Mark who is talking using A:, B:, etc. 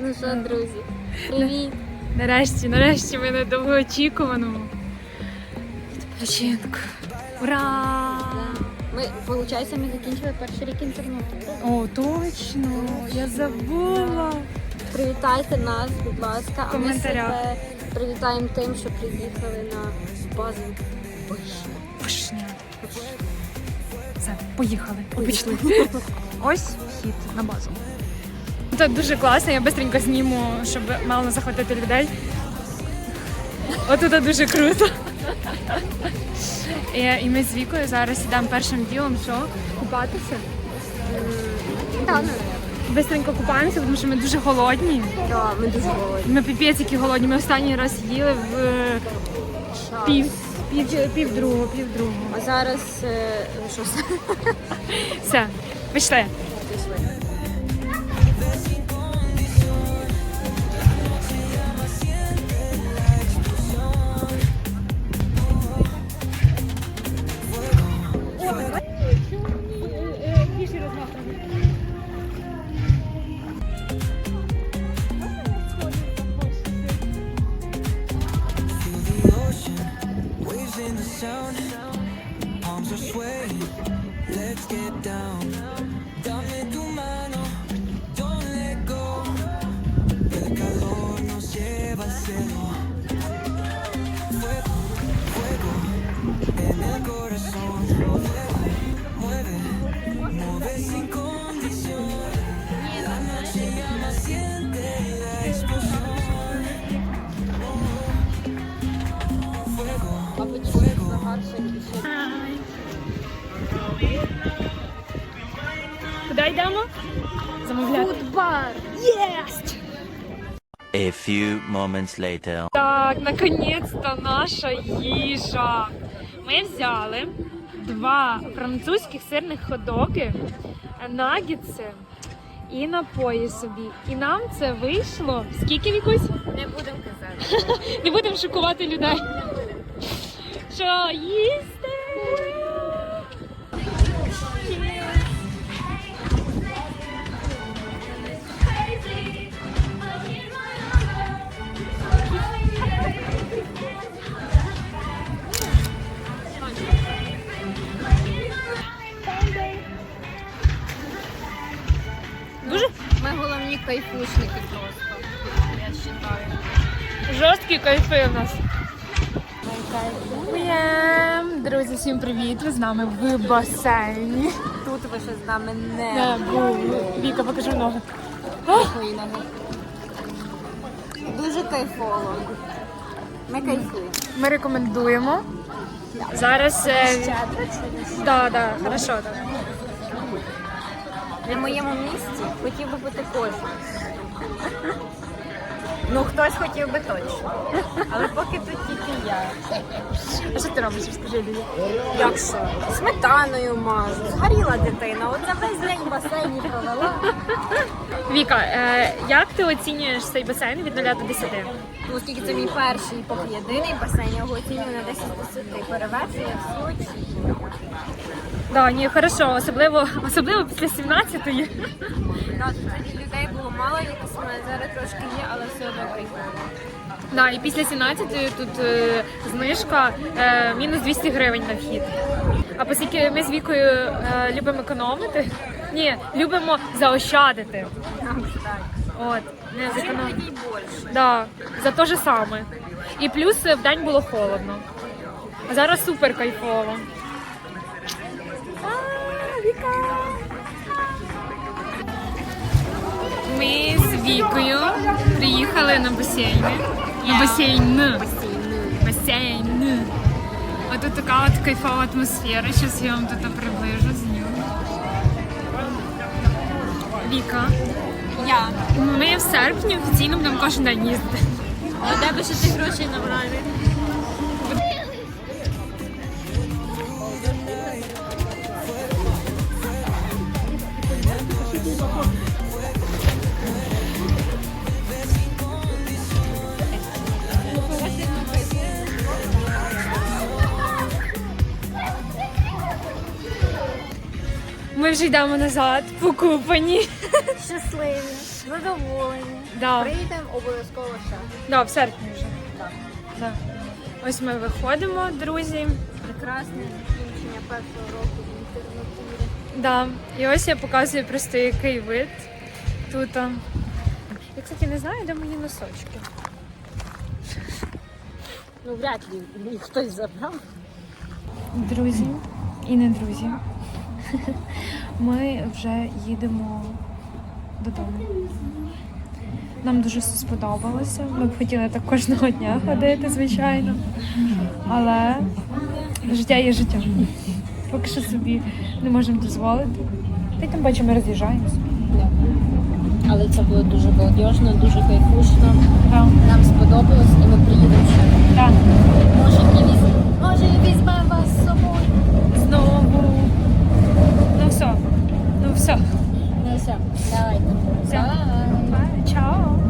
A: Ну що, друзі, привіт!
B: Нарешті ми на довгоочікуваному відпочинку. Ура!
A: Ми, виходить, ми закінчили перший рік інтернатури.
B: О, точно! Я забула!
A: Привітайте нас, будь ласка, а ми
B: коментарях.
A: себе привітаємо тим, що приїхали на базу Вишня.
B: Вишня. Все, поїхали. Обійшли. Ось вхід на базу. Це дуже класно, я швидко зніму, щоб мало захватити людей. Отут дуже круто. І ми з Вікою зараз йдемо першим ділом, що? Купатися?
A: Так,
B: Бистренько купаємося, тому що ми дуже голодні.
A: так, ми дуже голодні.
B: Ми піпець які голодні. Ми останній раз їли в півдругого.
A: А зараз, що це?
B: Все, пішли.
C: Palms are swaying, let's get down. Dame tu mano, don't let go. El calor nos lleva al cielo. Fuego, fuego, en el corazón. Mueve, mueve sin condición. La noche llama, siente la explosión. Fuego, fuego.
B: Куди йдемо? Замовляти.
A: Фудбар!
B: Єсть!
D: A few moments later.
B: Так, наконець-то наша їжа. Ми взяли 2 французьких сирних хот-доги, наггетси і напої собі. І нам це вийшло. Скільки, Вікусь?
A: Не будемо казати.
B: Не будемо шокувати людей. Що їсти? Дуже
A: Ми головні кайфушники просто, я вважаю.
B: жорсткі кайфи в нас. Друзі, всім привіт! Ви з нами в басейні.
A: Тут ви ще з нами
B: Не
A: не
B: були. Віка, покажи ноги.
A: свої ноги. Дуже кайфово. Ми кайфуємо.
B: Ми рекомендуємо. Зараз... Да, хорошо. Так.
A: На моєму місці хотів би бути кожен. Ну, хтось хотів би точно. Але поки тут тільки я.
B: А що ти робиш? Скажи мені.
A: Як що? Сметаною мажу. Згоріла дитина. От за весь день в басейні провела.
B: Віка, як ти оцінюєш цей басейн від 0 до 10?
A: Ну, оскільки це мій перший і поки єдиний басейн, я його оцінюю на 10 з 10. Перевершує всі очі.
B: Да, ні, хорошо, особливо після 17-ї.
A: Тоді людей було мало, якось у мене зараз трошки є, але все одно кайфово.
B: Да, і після 17-ї тут знижка мінус 200 гривень на вхід. А оскільки ми з Вікою любимо економити, любимо заощадити. От, не
A: Чим
B: зекономити.
A: тоді більше?
B: Да, за те ж саме. І плюс вдень було холодно. А зараз супер кайфово. Ми з Вікою приїхали на басейн. На басейн. А тут така от кайфова атмосфера. Зараз я вам тут приближу з нього. Віка.
A: Я.
B: Ми в серпні офіційно будемо кожен день їздити.
A: А де би ще ти грошей набрали?
B: Ми вже йдемо назад, покупані.
A: Щасливі, задоволені.
B: Да.
A: Приїдемо обов'язково ще.
B: Да, в серпні вже.
A: Так.
B: Да. Ось ми виходимо, друзі.
A: Прекрасне закінчення першого року в інтернатурі.
B: Да. І ось я показую просто який вид тут. Я, кстати, не знаю, де мої носочки.
A: Ну, вряд ли їх хтось забрав.
B: Друзі і не друзі. Ми вже їдемо додому. Нам дуже все сподобалося. Ми б хотіли так кожного дня ходити, звичайно. Але життя є життя. Поки що собі не можемо дозволити. Та й тим паче ми роз'їжджаємося.
A: Але це було дуже молодіжно, дуже кайфушно.
B: Так.
A: Нам сподобалось і ми приїдемо ще.
B: Так.
A: Може і візьмемо вас з собою.
B: Знову. Ну все.
A: Ну все, давайте.
B: Все.
A: Бай.
B: Чао.